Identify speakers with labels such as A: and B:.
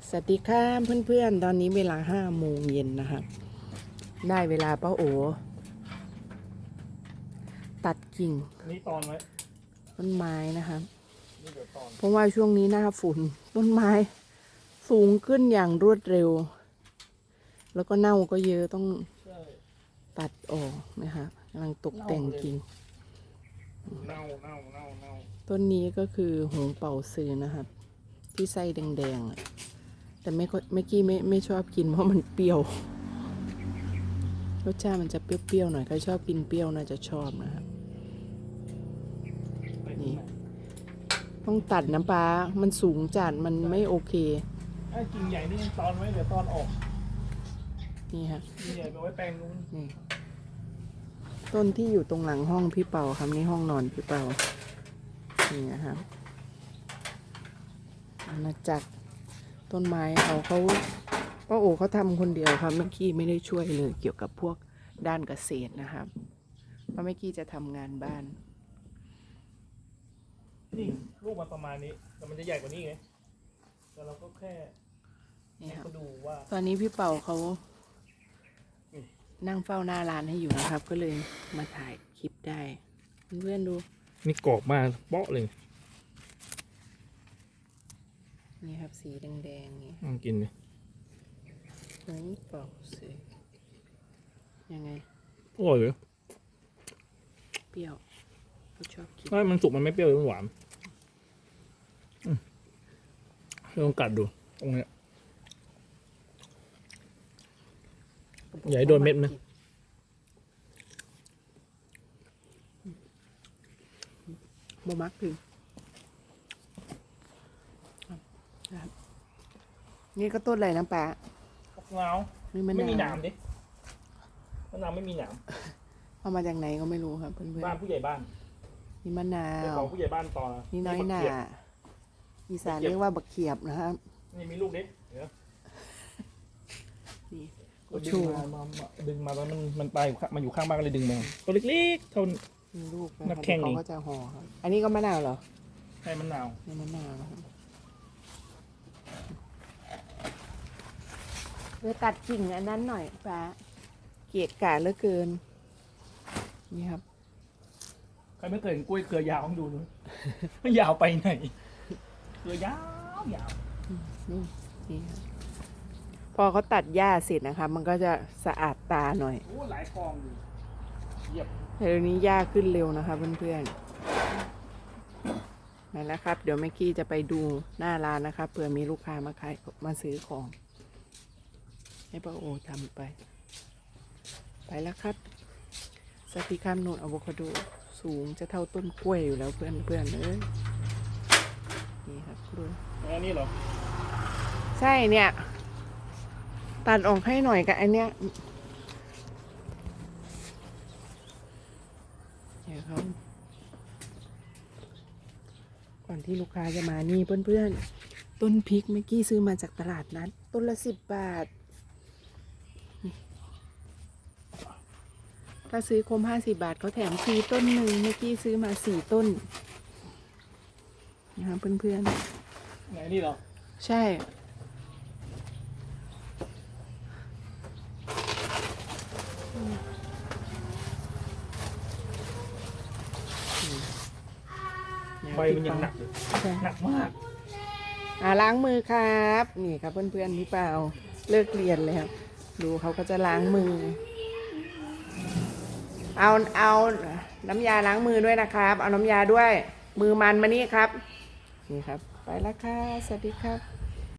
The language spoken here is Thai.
A: สวัสดีค่ะเพื่อนๆตอนนี้เวลา5 โมงเย็นนะครับได้เวลาป้าโอตัดกิ่ง
B: นี่ตอนไว้
A: ต้นไม้นะครับ
B: นี่เดี๋ยวตอน
A: เพราะว่าช่วงนี้หน้าฝุ่นต้นไม้สูงขึ้นอย่างรวดเร็วแล้วก็เน่าก็เยอะต้องตัดออกนะคะกำลังตกแต่งกิ่ง
B: เน่า
A: ต้นนี้ก็คือหงเป่าซื้อนะครับที่ไส้แดงๆแต่ไม่กี้ไม่ชอบกินเพราะมันเปรี้ยวรสชาติมันจะเปรี้ยวๆหน่อยใครชอบกินเปรี้ยวน่าจะชอบนะครับนี่ต้องตัดน้ำปลามันสูงจัดมันไม่โอเค
B: ไอ้กิ่งใหญ่นี่ตอนไว้เดี๋ยวตอนออก
A: นี่ฮะ
B: กิ่งใหญ่ไปไว้แปลงนู้น
A: นี่ต้นที่อยู่ตรงหลังห้องพี่เปาครับนี่ห้องนอนพี่เปานี่นะครับอาณาจักรต้นไม้เขาป้าโอเขาทำคนเดียวครับเมื่อกี้ไม่ได้ช่วยเลยเกี่ยวกับพวกด้านเกษตรนะครับเพราะเมื่อกี้จะทำงานบ้าน
B: นี่ลูกมันประมาณนี้แต่มันจะใหญ่กว่านี้ไงแต่เราก็แค่
A: นี่ครับ
B: ดูว่า
A: ตอนนี้พี่เปาเขานั่งเฝ้าหน้าร้านให้อยู่นะครับ ก็เลยมาถ่ายคลิปได้เพื่อนๆดู
B: นี่กรอบมาเปาะเลย
A: นี่ครับสีแดงๆนี่
B: กินเลย
A: หงเป่าซื้อยังไง
B: อร่อยเลย
A: เปรี้ยวเขาชอบกิน
B: ถ้ามันสุกมันไม่เปรี้ยวเลยมันหวานลองกัดดูตรงนี้อย่าให้โดนเม็ดนะ
A: โมมักถึงนี่ก็ต้นอะไรนะป้า
B: ผักนาวไม่มีหนามดิมะนาวไม่มีหนาม
A: เอามาจากไหนก็ไม่รู้ครับเพื่อนๆ
B: บ้านผู้ใหญ่บ้าน
A: นี่มะนาว
B: ของผู้ใหญ่บ้านต่อ
A: นี่น้อยหน่าอีสานเรียกว่าบักเขียบนะครับ
B: นี่มีลูกเด็ก
A: นี่
B: ดึงมาแล้วมันไปมันอยู่ข้างบ้านก็เลยดึงมาตัวเล็กๆเท่า
A: มีลูกนักแข่งเขาก็จะห่อครับอันนี้ก็มะนาวเหรอ
B: ใช่มะนาว
A: นี่มะนาวครับเดี๋ยวตัดกิ่งอันนั้นหน่อยป้าเกลียดกาเหลือเกินนี่ครับ
B: ใครไม่เคยเห็นกล้วยเครือยาวต้องดูด้วยมันยาวไปไหนเครือยาว
A: นี่ครับพอเขาตัดหญ้าเสร็จนะครับมันก็จะสะอาดตาหน่อย
B: โอ้หลายกองอยู่เยี่ยม
A: แต่เดี๋ยวนี้หญ้าขึ้นเร็วนะคะเพื่อนๆนั่นแหละครับเดี๋ยวแม่กี้จะไปดูหน้าร้านนะครับเผื่อมีลูกค้ามาซื้อของให้ป้าโอทำไปแล้วครับสติคามโนดอะโวคาโดสูงจะเท่าต้นกล้วยอยู่แล้วเพื่อนๆเลยนี่ครับกล้วย
B: อันนี้เหรอ
A: ใช่เนี่ยตัดออกให้หน่อยกับอันเนี้ยเดี๋ยวเขาก่อนที่ลูกค้าจะมานี่เพื่อนๆต้นพริกเมื่อกี้ซื้อมาจากตลาดนัดต้นละ10 บาทถ้าซื้อคม50 บาทเขาแถมฟรีต้นหนึ่งเมื่อกี้ซื้อมา4 ต้นนะครับเพื่อน
B: ๆไหนนี่เหรอ
A: ใช่
B: ใบมันยังหนักเลยหนักมาก
A: ล้างมือครับนี่ครับเพื่อนๆพี่เปล่าเลิกเรียนแล้วดูเขาก็จะล้างมือเอาน้ำยาล้างมือด้วยนะครับเอาน้ำยาด้วยมือมันมานี่ครับนี่ครับไปแล้วค่ะสวัสดีครับ